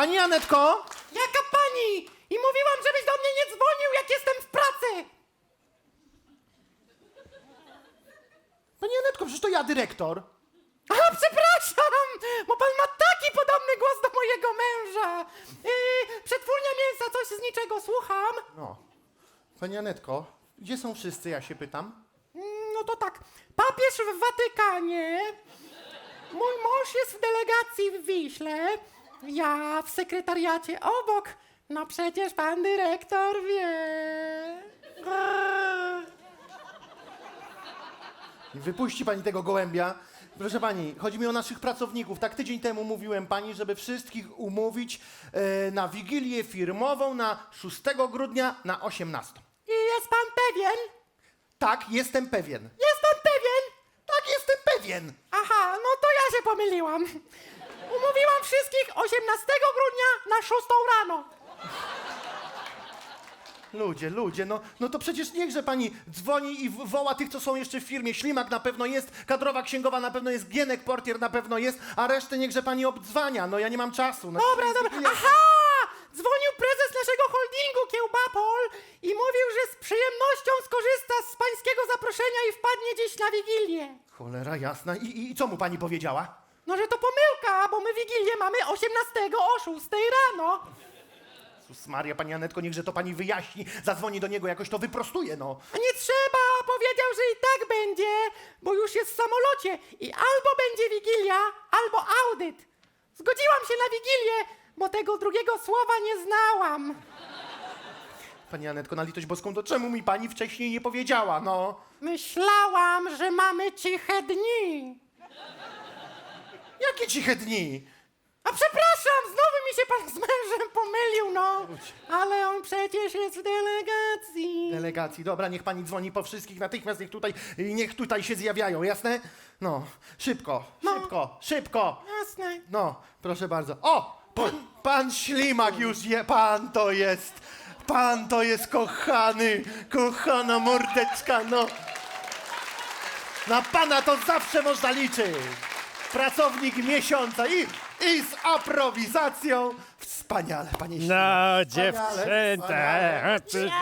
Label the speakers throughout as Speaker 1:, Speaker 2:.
Speaker 1: Pani Anetko?
Speaker 2: Jaka pani? I mówiłam, żebyś do mnie nie dzwonił, jak jestem w pracy.
Speaker 1: Pani Anetko, przecież to ja dyrektor.
Speaker 2: A, przepraszam, bo pan ma taki podobny głos do mojego męża. Przetwórnia mięsa, coś z niczego, słucham.
Speaker 1: No. Pani Anetko, gdzie są wszyscy, ja się pytam?
Speaker 2: No to tak, papież w Watykanie, mój mąż jest w delegacji w Wiśle, ja w sekretariacie obok. No przecież pan dyrektor wie.
Speaker 1: Wypuści pani tego gołębia. Proszę pani, chodzi mi o naszych pracowników. Tak tydzień temu mówiłem pani, żeby wszystkich umówić na wigilię firmową na 6 grudnia na 18.
Speaker 2: I jest pan pewien?
Speaker 1: Tak, jestem pewien.
Speaker 2: Jest pan pewien?
Speaker 1: Tak, jestem pewien.
Speaker 2: Aha, no to ja się pomyliłam. Umówiłam wszystkich 18 grudnia na 6 rano.
Speaker 1: Ludzie, no to przecież niechże pani dzwoni i woła tych, co są jeszcze w firmie. Ślimak na pewno jest, kadrowa księgowa na pewno jest, Gienek portier na pewno jest, a resztę niechże pani obdzwania. No ja nie mam czasu. No,
Speaker 2: Dobra. Aha! Dzwonił prezes naszego holdingu Kiełbapol i mówił, że z przyjemnością skorzysta z pańskiego zaproszenia i wpadnie dziś na Wigilię.
Speaker 1: Cholera jasna. I co mu pani powiedziała?
Speaker 2: No, że to pomyłka, bo my Wigilię mamy 18 o 6 rano.
Speaker 1: Jezus Maria, pani Anetko, niechże to pani wyjaśni, zadzwoni do niego, jakoś to wyprostuje, no.
Speaker 2: A nie trzeba, powiedział, że i tak będzie, bo już jest w samolocie i albo będzie Wigilia, albo audyt. Zgodziłam się na Wigilię, bo tego drugiego słowa nie znałam.
Speaker 1: Pani Anetko, na litość boską, to czemu mi pani wcześniej nie powiedziała, no?
Speaker 2: Myślałam, że mamy ciche dni.
Speaker 1: Jakie ciche dni?
Speaker 2: A przepraszam, znowu mi się pan z mężem pomylił, no. Ale on przecież jest w delegacji.
Speaker 1: Delegacji, dobra, niech pani dzwoni po wszystkich, natychmiast niech tutaj się zjawiają, jasne? No, szybko.
Speaker 2: Jasne.
Speaker 1: No, proszę bardzo. O, pan Ślimak już je, pan to jest kochana mordeczka, no. Na pana to zawsze można liczyć. Pracownik miesiąca i z aprowizacją. Wspaniale, panie Ślimak.
Speaker 3: No,
Speaker 1: Wspaniale,
Speaker 3: dziewczęta,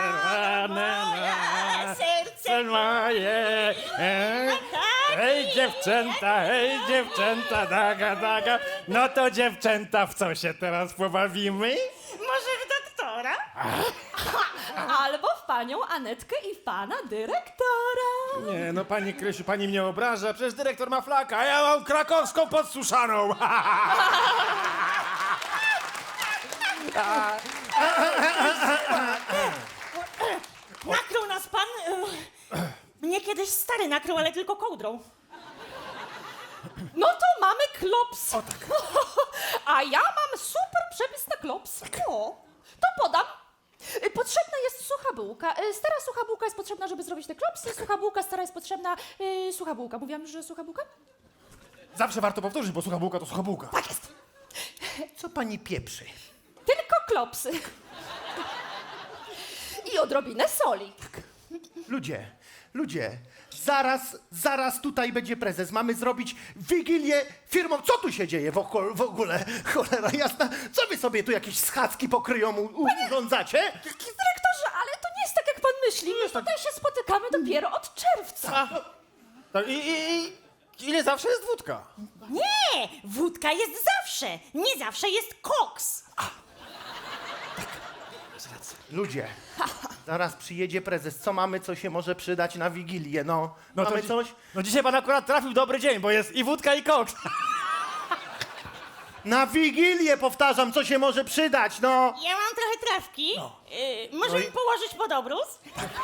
Speaker 3: serce moje. Hej, dziewczęta, daga. No to dziewczęta, w co się teraz pobawimy?
Speaker 4: Może w doktora? Albo w panią Anetkę i w pana dyrektora.
Speaker 3: Nie, no pani Krysiu, pani mnie obraża, przecież dyrektor ma flaka, a ja mam krakowską podsuszaną.
Speaker 4: Nakrył nas pan? Mnie kiedyś stary nakrył, ale tylko kołdrą. No to mamy klops. O tak. A ja mam super przepis na klops. O, to podam. Potrzebna jest sucha bułka. Stara sucha bułka jest potrzebna, żeby zrobić te klopsy. Sucha bułka stara jest potrzebna. Sucha bułka. Mówiłam już, że sucha bułka?
Speaker 3: Zawsze warto powtórzyć, bo sucha bułka to sucha bułka.
Speaker 4: Tak jest.
Speaker 1: Co pani pieprzy?
Speaker 4: Tylko klopsy. I odrobinę soli.
Speaker 1: Ludzie, zaraz tutaj będzie prezes. Mamy zrobić wigilię firmą. Co tu się dzieje w ogóle? Cholera jasna. Co wy sobie tu jakieś schadzki pokryją urządzacie?
Speaker 4: Dyrektorze, ale to nie jest tak, jak pan myśli. My tutaj się spotykamy dopiero od czerwca.
Speaker 3: Tak, i ile zawsze jest wódka?
Speaker 5: Nie! Wódka jest zawsze! Nie zawsze jest koks!
Speaker 1: Ludzie, zaraz przyjedzie prezes. Co mamy, co się może przydać na wigilię? No
Speaker 3: No to
Speaker 1: mamy
Speaker 3: dzi-
Speaker 1: coś?
Speaker 3: No dzisiaj pan akurat trafił w dobry dzień, bo jest i wódka, i koks.
Speaker 1: Na wigilię powtarzam, co się może przydać, no.
Speaker 5: Ja mam trochę trawki. Może mi położyć pod obrus?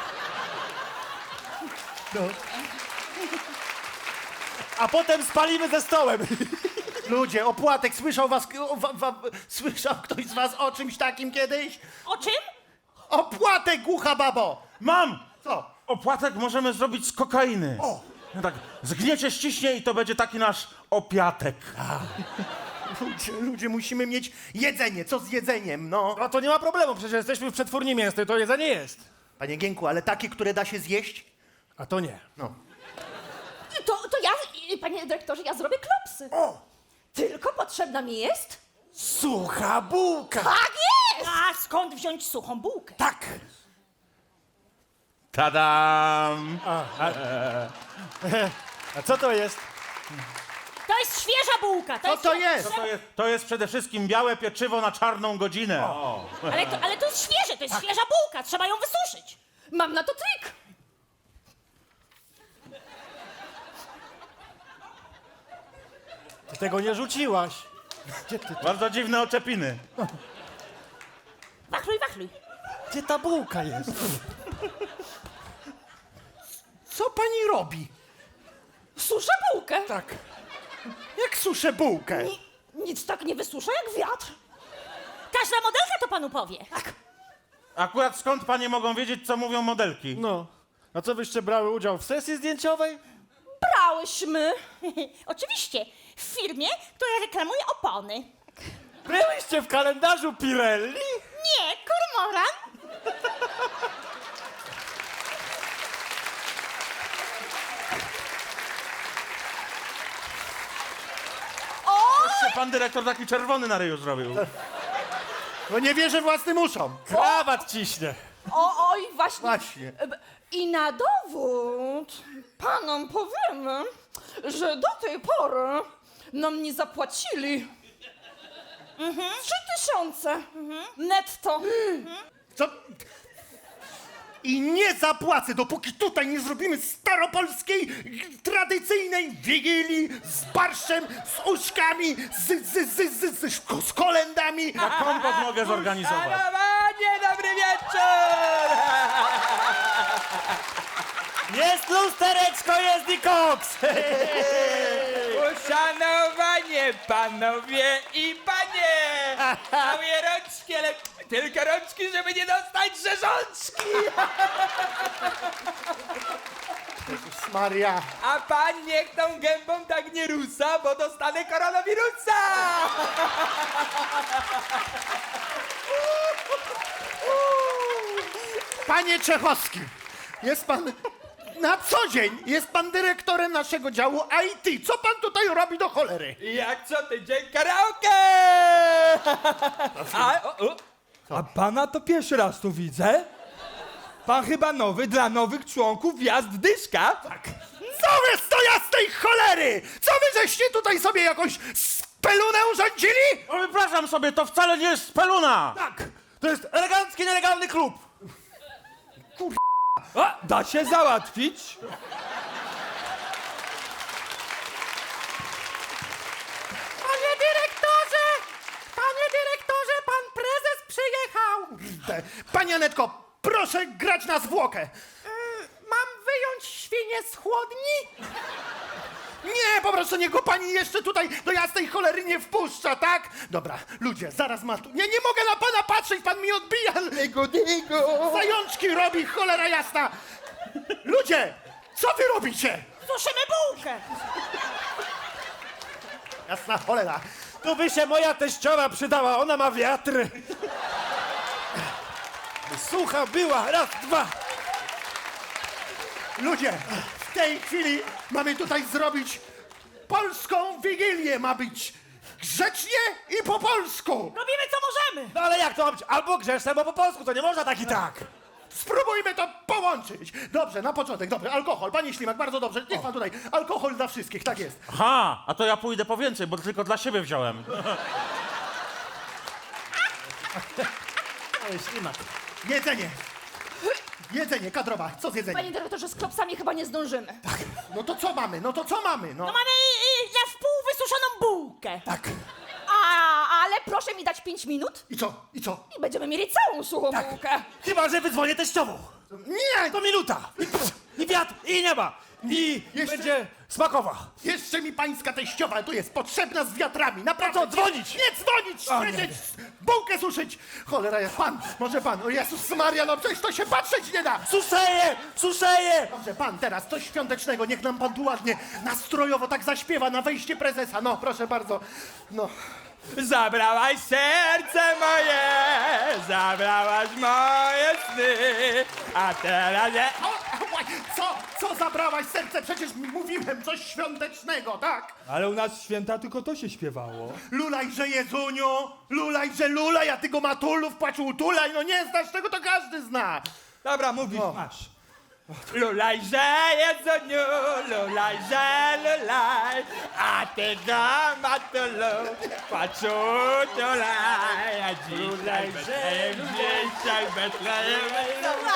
Speaker 3: A potem spalimy ze stołem.
Speaker 1: Ludzie, opłatek, słyszał ktoś z was o czymś takim kiedyś?
Speaker 5: O czym?
Speaker 1: Opłatek, głucha babo!
Speaker 6: Mam!
Speaker 1: Co?
Speaker 6: Opłatek możemy zrobić z kokainy.
Speaker 1: O!
Speaker 6: No tak, zgniecie, ściśnie i to będzie taki nasz opiatek.
Speaker 1: Ludzie, musimy mieć jedzenie. Co z jedzeniem, no?
Speaker 3: No to nie ma problemu, przecież jesteśmy w przetwórni mięsnej, to jedzenie jest.
Speaker 1: Panie Gienku, ale takie, które da się zjeść?
Speaker 3: A to nie.
Speaker 1: No.
Speaker 4: To ja, panie dyrektorze, ja zrobię klopsy.
Speaker 1: O!
Speaker 4: Tylko potrzebna mi jest
Speaker 3: Sucha bułka.
Speaker 4: Tak jest!
Speaker 5: A skąd wziąć suchą bułkę?
Speaker 3: Tak.
Speaker 6: Tadam!
Speaker 3: A co to jest?
Speaker 5: To jest świeża bułka.
Speaker 1: Co to jest?
Speaker 6: To jest przede wszystkim białe pieczywo na czarną godzinę.
Speaker 5: Ale to jest świeże, to jest świeża bułka. Trzeba ją wysuszyć.
Speaker 4: Mam na to trik.
Speaker 3: Ty tego nie rzuciłaś.
Speaker 6: Bardzo dziwne oczepiny.
Speaker 5: Wachluj, wachluj.
Speaker 3: Gdzie ta bułka jest?
Speaker 1: Co pani robi?
Speaker 4: Suszę bułkę.
Speaker 1: Tak. Jak suszę bułkę?
Speaker 4: Nic tak nie wysusza jak wiatr.
Speaker 5: Każda modelka to panu powie.
Speaker 6: Akurat skąd panie mogą wiedzieć, co mówią modelki?
Speaker 3: No. A co wyście brały udział w sesji zdjęciowej?
Speaker 4: Brałyśmy.
Speaker 5: Oczywiście, w firmie, która reklamuje opony.
Speaker 3: Byłyście w kalendarzu Pirelli?
Speaker 5: Nie, kormoran.
Speaker 6: Jeszcze pan dyrektor taki czerwony na ryju zrobił.
Speaker 1: No nie wierzę własnym uszom.
Speaker 3: Krawat ciśnie.
Speaker 4: Oj, właśnie.
Speaker 1: Właśnie.
Speaker 4: I na dowód panom powiemy, że do tej pory nam nie zapłacili 3000 netto.
Speaker 1: Co? I nie zapłacę, dopóki tutaj nie zrobimy staropolskiej, tradycyjnej wigilii z barszczem, z uszkami, z kolendami.
Speaker 6: Na kompot mogę zorganizować.
Speaker 7: Panie, dobry wieczór!
Speaker 3: Jest lustereczko, jest i koks!
Speaker 7: Uszanowanie, panowie i panie! Całe rączki, ale tylko rączki, żeby nie dostać rzeżączki!
Speaker 1: Maria.
Speaker 7: A pan niech tą gębą tak nie rusa, bo dostanę koronawirusa!
Speaker 1: Panie Czechowski, jest pan na co dzień, jest pan dyrektorem naszego działu IT. Co pan tutaj robi do cholery?
Speaker 7: Jak co tydzień karaoke! A pana to pierwszy raz tu widzę? Pan chyba nowy dla nowych członków Gwiazd Dyszka? Tak.
Speaker 1: Co wy z to jasnej cholery? Co wy żeście tutaj sobie jakąś spelunę urządzili?
Speaker 6: O, wypraszam sobie, to wcale nie jest speluna!
Speaker 3: Tak, to jest elegancki, nielegalny klub.
Speaker 7: A, da się załatwić.
Speaker 2: Panie dyrektorze, pan prezes przyjechał.
Speaker 1: Pani Anetko, proszę grać na zwłokę.
Speaker 2: Mam wyjąć świnię z chłodni?
Speaker 1: Nie, po prostu niech go pani jeszcze tutaj do jasnej cholery nie wpuszcza, tak? Dobra, ludzie, zaraz ma tu... Nie mogę na pana patrzeć, pan mi odbija. Zajączki robi, cholera jasna. Ludzie, co wy robicie?
Speaker 5: Suszymy bułkę.
Speaker 1: Jasna cholera.
Speaker 3: Tu by się moja teściowa przydała, ona ma wiatr. Sucha była, raz, dwa.
Speaker 1: Ludzie, w tej chwili mamy tutaj zrobić polską wigilię. Ma być grzecznie i po polsku.
Speaker 5: Robimy co możemy.
Speaker 3: No ale jak to ma być? Albo grzeszne, albo po polsku, to nie można tak i tak.
Speaker 1: Spróbujmy to połączyć. Dobrze, na początek, dobrze, alkohol. Panie Ślimak, bardzo dobrze, niech pan tutaj. Alkohol dla wszystkich, tak jest.
Speaker 6: Aha, a to ja pójdę po więcej, bo tylko dla siebie wziąłem.
Speaker 3: Ej, ślimak.
Speaker 1: Jedzenie. Jedzenie, kadrowa, co z jedzeniem?
Speaker 4: Panie dyrektorze, z klopsami chyba nie zdążymy.
Speaker 1: No to co mamy, no to co mamy, no?
Speaker 5: No mamy na wpół wysuszoną bułkę.
Speaker 1: Tak.
Speaker 4: Ale proszę mi dać 5 minut
Speaker 1: I co, i co?
Speaker 4: i będziemy mieli całą suchą bułkę.
Speaker 3: Chyba, że wydzwonię teściową.
Speaker 1: Nie,
Speaker 3: To minuta. I wiatr, i nieba. I
Speaker 1: Jeszcze-
Speaker 3: będzie smakowa.
Speaker 1: jeszcze mi pańska teściowa tu jest potrzebna z wiatrami, naprawdę.
Speaker 3: No to dzwonić.
Speaker 1: Nie dzwonić,
Speaker 3: O, nie.
Speaker 1: siedzieć, bułkę suszyć. Cholera jest pan, może pan, o Jezus Maria, no przecież to się patrzeć nie da.
Speaker 3: Suszeje, suszeje.
Speaker 1: Dobrze, pan teraz coś świątecznego, niech nam pan tu ładnie nastrojowo tak zaśpiewa na wejście prezesa. No, proszę bardzo, no.
Speaker 7: Zabrałaś serce moje, zabrałaś moje sny, a teraz nie...
Speaker 1: O, co, Co zabrałaś serce? Przecież mówiłem coś świątecznego, tak?
Speaker 3: Ale u nas święta tylko to się śpiewało.
Speaker 1: Lulaj, że Jezuniu, lulaj, że lulaj, a ty go matulów płacz utulaj, no nie znasz tego, to każdy zna.
Speaker 7: Dobra, mówisz, masz. Lulajże, Jezuniu, lulajże, lulaj, a ty go matulu, paczutulaj, a dzisiaj Betlejem,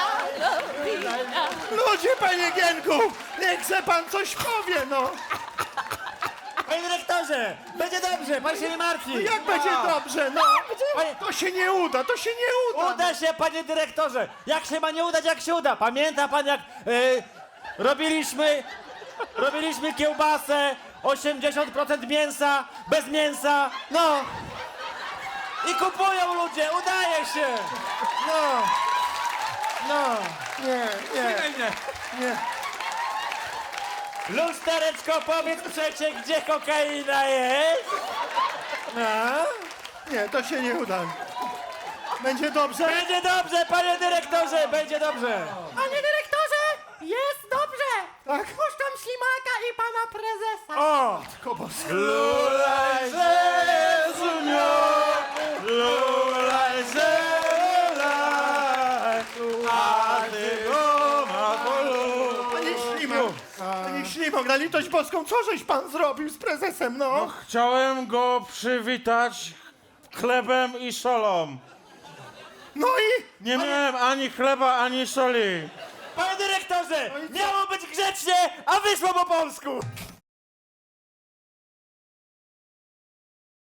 Speaker 1: Ludzie, panie Gienku, niech se pan coś powie, no.
Speaker 6: Panie dyrektorze, będzie dobrze, pan się nie martwi.
Speaker 1: Jak będzie dobrze, no. To się nie uda, to się nie uda.
Speaker 6: Uda się, panie dyrektorze. Jak się ma nie udać, jak się uda. Pamięta pan, jak robiliśmy kiełbasę, 80% mięsa, bez mięsa, no. I kupują ludzie, udaje się. No. No.
Speaker 1: Nie.
Speaker 6: Lustereczko, powiedz przecie, gdzie kokaina jest? No.
Speaker 1: Nie, to się nie uda. Będzie dobrze?
Speaker 6: Będzie dobrze, panie dyrektorze, będzie dobrze.
Speaker 2: Panie dyrektorze, jest dobrze.
Speaker 1: Tak?
Speaker 2: Puszczam ślimaka i pana prezesa.
Speaker 6: O!
Speaker 1: Kobos.
Speaker 6: Lulaj, Jezuniu, lulaj, lulaj, a ty go matulu.
Speaker 1: Panie Ślimak, na litość boską, co żeś pan zrobił z prezesem, no?
Speaker 6: Chciałem go przywitać chlebem i solą.
Speaker 1: No i?
Speaker 6: Nie miałem ani chleba, ani soli. Panie dyrektorze, miało być grzecznie, a wyszło po polsku.